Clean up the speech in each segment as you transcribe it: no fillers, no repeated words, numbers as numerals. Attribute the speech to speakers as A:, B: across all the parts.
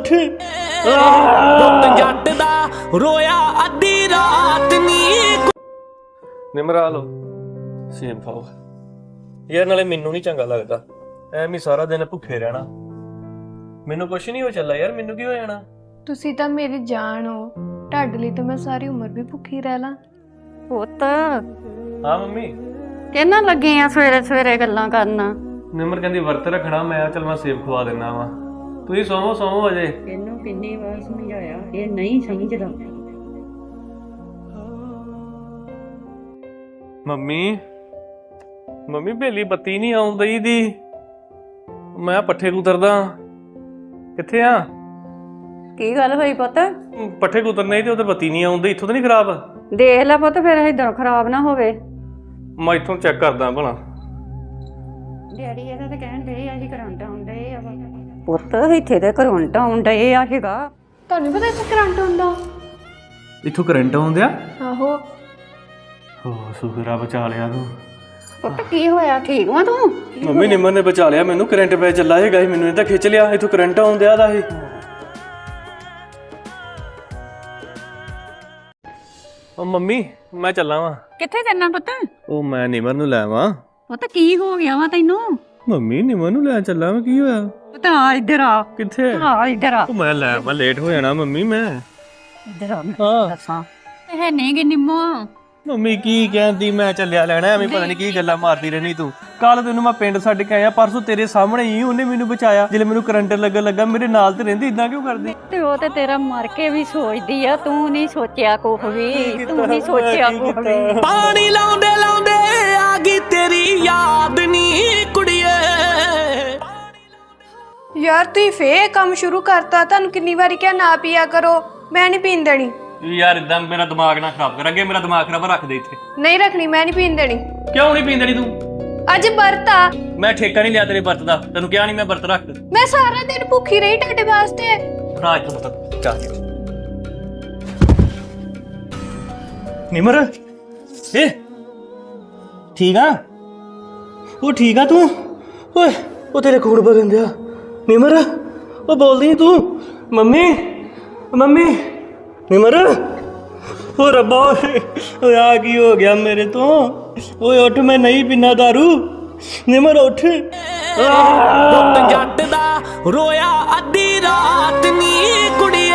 A: ਉੱਠ
B: ਪੁੱਤ ਜੱਟ ਦਾ ਰੋਇਆ ਅੱਧੀ ਰਾਤ ਨੀ।
A: ਨਿਮਰਾ ਲੋ ਸੇਬ ਖਾਓ ਯਾਰ, ਨਾਲੇ ਮੈਨੂੰ ਨਹੀਂ ਚੰਗਾ ਲੱਗਦਾ ਐਵੇਂ ਸਾਰਾ ਦਿਨ ਭੁੱਖੇ ਰਹਿਣਾ। ਮੈਨੂੰ ਕੁਛ ਨਹੀਂ ਹੋ ਚੱਲਾ ਯਾਰ, ਮੈਨੂੰ ਕੀ ਹੋ ਜਾਣਾ।
C: ਤੁਸੀਂ ਤਾਂ ਮੇਰੀ ਜਾਨ ਹੋ, ਤੁਹਾਡੇ ਲਈ ਤਾਂ ਮੈਂ ਸਾਰੀ ਉਮਰ ਵੀ ਭੁੱਖੀ ਰਹਿ ਲਾਂ।
D: ਪੁੱਤ
A: ਹਾਂ ਮੰਮੀ।
D: ਕਿਹਨਾਂ ਲੱਗੇ ਆ ਸਵੇਰੇ ਸਵੇਰੇ ਗੱਲਾਂ ਕਰਨ?
A: ਨਿਮਰ ਕਹਿੰਦੀ ਵਰਤ ਰੱਖਣਾ, ਮੈਂ ਚੱਲ ਮੈਂ ਸੇਬ ਖਵਾ ਦਿੰਦਾ ਵਾ। ਤੁਸੀਂ ਸੋਵੋ ਅਜੇ।
D: ਇਹਨੂੰ ਕਿੰਨੀ ਵਾਰ ਸਮਝਾਇਆ, ਇਹ ਨਹੀਂ ਸਮਝਦਾ।
A: ਮੰਮੀ ਬੇਲੀ ਬੱਤੀ ਨਹੀਂ ਆਉਂਦੀ ਦੀ। ਮੈਂ ਪੱਠੇ ਕੁਤਰਦਾ। ਕਿੱਥੇ ਆ?
D: ਕੀ ਗੱਲ ਹੋਈ ਪੁੱਤ?
A: ਪੱਠੇ ਕੁਤਰਨੇ ਤੇ ਉਧਰ ਬੱਤੀ ਨਹੀਂ ਆਉਂਦੀ। ਇੱਥੋਂ ਤਾਂ ਨਹੀਂ ਖਰਾਬ?
D: ਦੇਖ ਲੈ ਪੁੱਤ, ਫਿਰ ਇਧਰੋਂ ਖਰਾਬ ਨਾ ਹੋਵੇ।
A: ਮੈਂ ਇੱਥੋਂ ਚੈੱਕ ਕਰਦਾ ਭਲਾ।
D: ਡੈਡੀ ਇਹਦਾ ਤਾਂ ਕਹਿਣ ਦੇ ਆ, ਅਸੀਂ ਕਰੰਟ ਆਉਂਦੇ ਆ। ਪੁੱਤ ਇੱਥੇ ਤੇ ਕਰੰਟ ਆਉਂਦੇ ਆ ਹੈਗਾ।
C: ਤੁਹਾਨੂੰ ਪਤਾ ਇੱਥੇ ਕਰੰਟ ਹੁੰਦਾ?
A: ਇੱਥੋਂ ਕਰੰਟ ਆਉਂਦਿਆ?
C: ਆਹੋ।
A: ਹੋ ਸ਼ੁਕਰ ਬਚਾ ਲਿਆ ਤੂੰ।
D: ਪੁੱਤ ਕੀ ਹੋਇਆ, ਠੀਕ ਵਾ ਤੂੰ?
A: ਮੰਮੀ ਨਿਮਰ ਨੇ ਬਚਾ ਲਿਆ ਮੈਨੂੰ। ਕਰੰਟ ਪੈ ਚੱਲਾ ਹੈਗਾ ਸੀ, ਮੈਨੂੰ ਇਹ ਤਾਂ ਖਿੱਚ ਲਿਆ। ਇੱਥੋਂ ਕਰੰਟ ਆਉਂਦਿਆ ਦਾ ਇਹ। ਉਹ ਮੰਮੀ ਮੈਂ ਚੱਲਾਂ ਵਾਂ।
D: ਕਿੱਥੇ ਚੱਲਣਾ ਪੁੱਤ?
A: ਉਹ ਮੈਂ ਨਿਮਰ ਨੂੰ ਲੈ ਆਵਾਂ।
D: ਪੁੱਤ ਕੀ ਹੋ ਗਿਆ ਵਾ ਤੈਨੂੰ?
A: ਮੰਮੀ ਨਿਮਰ ਨੂੰ ਲੈ ਚੱਲਾਂ ਵਾਂ, ਕੀ ਹੋਇਆ?
D: ਪੁੱਤ ਆ ਇੱਧਰ ਆ।
A: ਕਿੱਥੇ?
D: ਆ ਇੱਧਰ ਆ।
A: ਉਹ ਮੈਂ ਲੈ ਆਵਾਂ, ਲੇਟ ਹੋ ਜਾਣਾ ਮੰਮੀ ਮੈਂ।
D: ਇੱਧਰ ਆ, ਮੈਂ
A: ਹਾਂ
D: ਦੱਸਾਂ। ਇਹ ਨਹੀਂ ਗੀ ਨਿੰਮੋ।
A: ਮੰਮੀ ਕੀ ਕਹਿੰਦੀ, ਮੈਂ ਚੱਲਿਆ ਲੈਣਾ। ਐਵੇਂ ਪਤਾ ਨਹੀਂ ਕੀ ਗੱਲਾਂ ਮਾਰਦੀ ਰਹਿਣੀ ਤੂੰ। ਕੱਲ ਤੈਨੂੰ ਮੈਂ ਪਿੰਡ ਛੱਡ ਕੇ ਆਇਆ, ਪਰਸੋਂ ਤੇਰੇ ਸਾਹਮਣੇ ਹੀ ਉਹਨੇ ਮੈਨੂੰ ਬਚਾਇਆ। ਜਦੋਂ ਮੈਨੂੰ ਕਰੰਟ ਲੱਗਣ ਲੱਗਾ ਮੇਰੇ ਨਾਲ ਤੇ ਰਹਿੰਦੀ। ਇਦਾਂ ਕਿਉਂ ਕਰਦੀ?
D: ਤੇ ਉਹ ਤੇ ਤੇਰਾ ਮਰ ਕੇ ਵੀ ਸੋਚਦੀ ਆ, ਤੂੰ ਨਹੀਂ ਸੋਚਿਆ ਕੁਛ ਵੀ। ਤੂੰ ਨਹੀਂ ਸੋਚਿਆ ਕੁਛ ਵੀ।
B: ਪਾਣੀ ਲਾਉਂਦੇ ਲਾਉਂਦੇ ਆ ਗਈ ਤੇਰੀ ਯਾਦ ਨੀ ਕੁੜੀਏ।
C: ਯਾਰ ਤੁਸੀਂ ਫੇਰ ਕੰਮ ਸ਼ੁਰੂ ਕਰਤਾ। ਤੁਹਾਨੂੰ ਕਿੰਨੀ ਵਾਰੀ ਕਿਹਾ ਨਾ ਪੀਆ ਕਰੋ। ਮੈਂ ਨਹੀਂ ਪੀਣ ਦੇਣੀ।
A: ਯਾਰ ਇਦਾਂ ਮੇਰਾ ਦਿਮਾਗ ਨਾ ਖਰਾਬ ਕਰ। ਅੱਗੇ ਮੇਰਾ ਦਿਮਾਗ ਖਰਾਬ ਰੱਖ ਦੇ ਇੱਥੇ।
C: ਨਹੀਂ ਰੱਖਣੀ, ਮੈਂ ਨਹੀਂ ਪੀਣ ਦੇਣੀ।
A: ਕਿਉਂ ਨਹੀਂ ਪੀਂਦਣੀ ਤੂੰ?
C: ਅੱਜ ਵਰਤ ਆ।
A: ਮੈਂ ਠੇਕਾ ਨਹੀਂ ਲਿਆ ਤੇਰੇ ਵਰਤ ਦਾ। ਤੈਨੂੰ ਕਿਹਾ ਨਹੀਂ ਮੈਂ ਵਰਤ ਰੱਖ।
C: ਮੈਂ ਸਾਰਾ ਦਿਨ ਭੁੱਖੀ ਰਹੀ ਤੁਹਾਡੇ ਵਾਸਤੇ।
A: ਭਰਾ ਇੱਥੋਂ ਪਤਾ ਚਾਹ ਨਿਮਰ ਏ ਠੀਕ ਆ? ਉਹ ਠੀਕ ਆ ਤੂੰ? ਓਏ ਉਹ ਤੇਰੇ ਖੂਨ ਵਗਣ ਦਿਆ। ਨਿਮਰ ਉਹ ਬੋਲਦੀ ਨੀ ਤੂੰ? ਮੰਮੀ ਨਿਮਰ। ਓ ਰੱਬਾ ਓਏ ਆ ਕੀ ਹੋ ਗਿਆ ਮੇਰੇ ਤੋਂ? ਓਏ ਉੱਠ, ਮੈਂ ਨਹੀਂ ਪੀਣਾ ਦਾਰੂ। ਨਿਮਰ ਉੱਠ।
B: ਪੁੱਤ ਜੱਟ ਦਾ ਰੋਇਆ ਅੱਧੀ ਰਾਤ ਨੀ ਕੁੜੀਏ।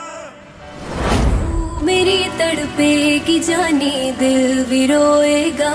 E: मेरी तड़पेगी जानी, दिल भी रोएगा।